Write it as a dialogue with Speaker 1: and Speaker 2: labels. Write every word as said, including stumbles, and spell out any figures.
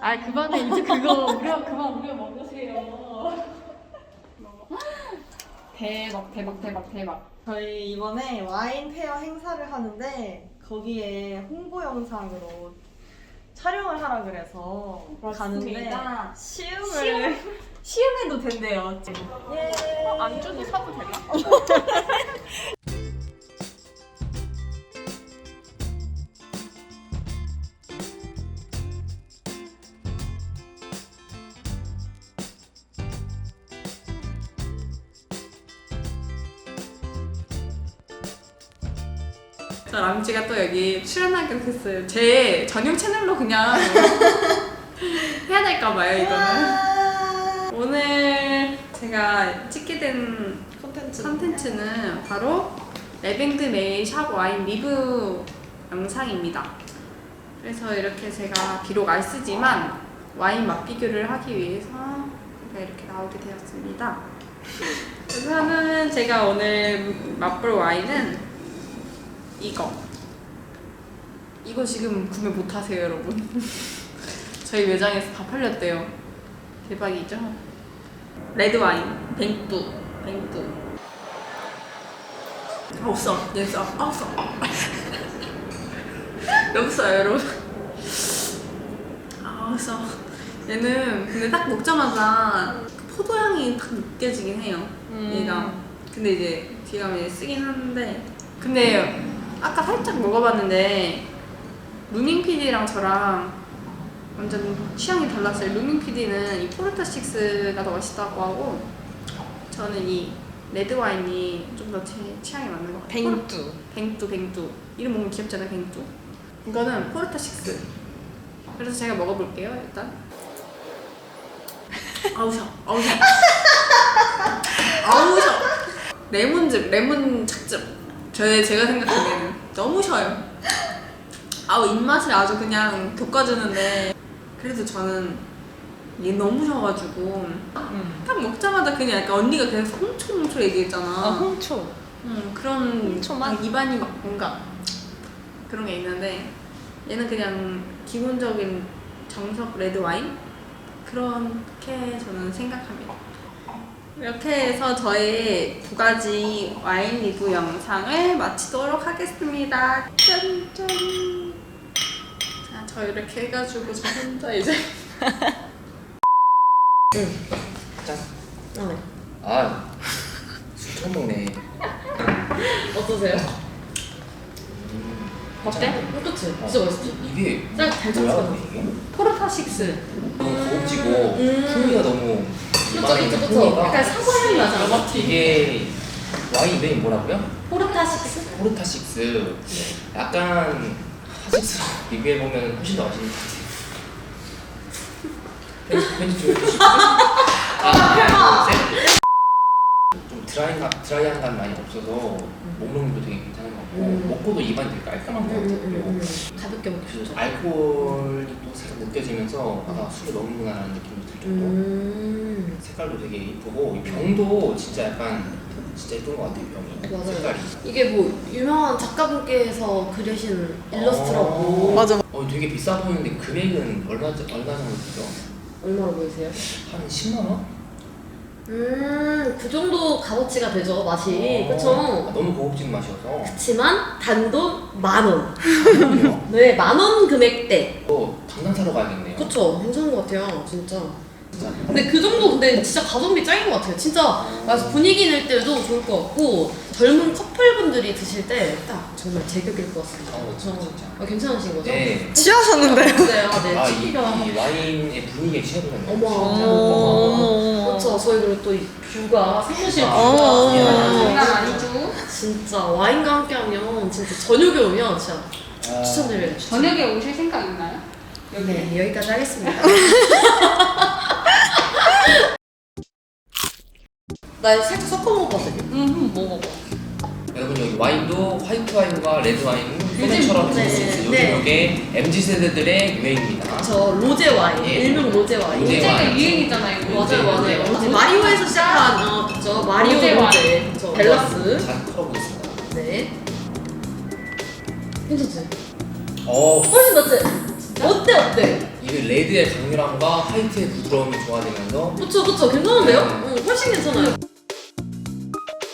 Speaker 1: 아 그만해 이제 그거 우려 그만 우려 먹으세요. 대박 대박 대박 대박.
Speaker 2: 저희 이번에 와인 페어 행사를 하는데 거기에 홍보 영상으로 촬영을 하라 그래서 가는데
Speaker 1: 맞습니다.
Speaker 2: 시음을
Speaker 1: 시음해도 된대요.
Speaker 2: 예.
Speaker 1: 안주도 사도 되나?
Speaker 3: 저 람쥐가 또 여기 출연하게 됐어요. 제 전용 채널로 그냥 해야 될까봐요 이거는. 오늘 제가 찍게 된
Speaker 2: 콘텐츠
Speaker 3: 컨텐츠는 바로 레뱅드 메이 샵 와인 리뷰 영상입니다. 그래서 이렇게 제가 비록 안 쓰지만 와인 맛 비교를 하기 위해서 제가 이렇게 나오게 되었습니다. 우선은 제가 오늘 맛볼 와인은 이거 이거 지금 구매 못하세요 여러분. 저희 매장에서 다 팔렸대요. 대박이죠? 레드와인 뱅뚜 뱅뚜 아 없어 얘 써. 아 없어 없어요 여러분. 아 없어. 얘는 근데 딱 먹자마자 포도향이 딱 느껴지긴 해요.
Speaker 2: 음.
Speaker 3: 얘가 근데 이제 뒤에 가면 쓰긴 하는데 근데 아까 살짝 먹어봤는데 루밍 피디랑 저랑 완전 취향이 달랐어요. 루밍 피디는 이 포르타 식스가 더 맛있다고 하고 저는 이 레드 와인이 좀 더 제 취향에 맞는 것 같아요.
Speaker 2: 뱅뚜
Speaker 3: 뱅뚜 뱅뚜 이름 뭔가 귀엽잖아요. 뱅뚜. 이거는 포르타 식스. 그래서 제가 먹어볼게요 일단. 아우셔 아우셔 아우셔. 레몬즙 레몬 착즙. 저의 제가 생각하기에는 너무 셔요. 아우 입맛을 아주 그냥 돋궈주는데 그래도 저는 얘 너무 셔가지고
Speaker 2: 음.
Speaker 3: 딱 먹자마자 그냥 약간 언니가 계속 홍초 홍초 얘기했잖아.
Speaker 2: 아 홍초
Speaker 3: 음, 그런
Speaker 2: 홍초 맛?
Speaker 3: 막 입안이 막 뭔가 그런 게 있는데 얘는 그냥 기본적인 정석 레드 와인 그렇게 저는 생각합니다. 이렇게 해서 저의 두 가지 와인 리뷰 영상을 마치도록 하겠습니다. 짠짠. 자, 저 이렇게 해가지고 저 혼자 이제
Speaker 4: 짠.
Speaker 2: 아, 네.
Speaker 4: 아, 술 처음 먹네.
Speaker 2: 어떠세요?
Speaker 4: 음,
Speaker 3: 어때?
Speaker 2: 그치?
Speaker 4: 어,
Speaker 2: 진짜 맛있지?
Speaker 4: 이게
Speaker 2: 딱 잘
Speaker 4: 뭐야?
Speaker 2: 쳤어.
Speaker 4: 이게?
Speaker 3: 포르타 식스.
Speaker 4: 너무 고급지고
Speaker 2: 음.
Speaker 4: 풍미가 너무
Speaker 2: 그쵸,
Speaker 4: 와인
Speaker 2: 그쵸, 그쵸.
Speaker 4: 풍미가
Speaker 2: 약간 사과향이 나잖아.
Speaker 4: 이게 와인 이름이 뭐라고요?
Speaker 2: 포르타 식스?
Speaker 4: 포르타 식스. 약간 하식스로 리뷰해 보면 훨씬 더 맛있는 것 같아요. 편집 편집 좀 해주시고. 아, 하나, 둘, 셋. 좀 드라이한 드라이한 감 많이 없어서 목넘도 되게 괜찮은 것 같고
Speaker 2: 음.
Speaker 4: 먹고도 입안이 되게 깔끔한 것 같아요. 그리고
Speaker 2: 가볍게 먹기
Speaker 4: 그
Speaker 2: 좋죠.
Speaker 4: 알코올이 또 살짝 느껴지면서 아 술을 먹는구나라는 느낌도 들 정도.
Speaker 2: 음.
Speaker 4: 색깔도 되게 이쁘고 이 병도 진짜 약간 진짜 예쁜 것 같아요. 병이
Speaker 2: 맞아요.
Speaker 4: 색깔이.
Speaker 2: 이게 뭐 유명한 작가분께서 그리신 일러스트라고.
Speaker 4: 맞아. 어 되게 비싸 보이는데 금액은 얼마 얼마 정도 되죠?
Speaker 2: 얼마로 보이세요?
Speaker 4: 한 십만 원?
Speaker 2: 음, 그 정도 값어치가 되죠, 맛이.
Speaker 4: 어,
Speaker 2: 그쵸?
Speaker 4: 아, 너무 고급진 맛이어서.
Speaker 2: 그치만 단돈 만 원.
Speaker 4: 그래요?
Speaker 2: 네, 만 원 금액대.
Speaker 4: 또 당장 사러 가야겠네요.
Speaker 2: 그쵸, 괜찮은 것 같아요, 진짜.
Speaker 4: 진짜.
Speaker 2: 근데 그 정도 근데 진짜 가성비 짱인 것 같아요. 진짜 그래서 분위기 낼 때도 좋을 것 같고 젊은 커플분들이 드실 때 딱 정말 제격일 것 같습니다.
Speaker 4: 어,
Speaker 2: 그쵸?
Speaker 4: 진짜.
Speaker 2: 어, 괜찮으신 거죠?
Speaker 4: 네.
Speaker 2: 취하셨는데요? 네, 아, 네,
Speaker 4: 아, 이,
Speaker 2: 치기가.
Speaker 4: 이 와인의 분위기에 취해보는 거예요.
Speaker 2: 어머, 어머, 그렇죠. 저희 그리고 또 이 뷰가 사무실
Speaker 4: 아,
Speaker 2: 뷰가
Speaker 4: 예.
Speaker 3: 장난 아니죠?
Speaker 2: 진짜 와인과 함께하면 진짜 저녁에 오면 진짜
Speaker 4: 아,
Speaker 2: 추천드려요. 추천.
Speaker 3: 저녁에 오실 생각 있나요?
Speaker 2: 네, 여기까지 하겠습니다. 나 살짝 섞어 먹어봤거든요.
Speaker 3: 음, 뭐 먹어?
Speaker 4: 여러분 여기 와인도 화이트 와인과 레드 와인 소매처럼 드실 수 있어요. 요즘
Speaker 2: 네.
Speaker 4: 이게 엠지 세대들의 유행입니다.
Speaker 2: 저 로제 와인,
Speaker 4: 예.
Speaker 2: 일명 로제 와인.
Speaker 4: 로제
Speaker 3: 로제가
Speaker 4: 와인.
Speaker 3: 유행이잖아요. 이거.
Speaker 2: 맞아요, 맞아요.
Speaker 4: 로제.
Speaker 2: 맞아요. 마리오에서 시작한 어, 그죠? 마리오
Speaker 3: 로제
Speaker 2: 로제, 그죠? 벨라스.
Speaker 4: 잘 털어보겠습니다.
Speaker 2: 네. 괜찮지?
Speaker 4: 어,
Speaker 2: 훨씬 낫지? 어때 어때?
Speaker 4: 이게 레드의 강렬함과 화이트의 부드러움이 조화되면서
Speaker 2: 그쵸 그쵸 괜찮은데요?
Speaker 4: 네.
Speaker 2: 응, 훨씬 괜찮아요.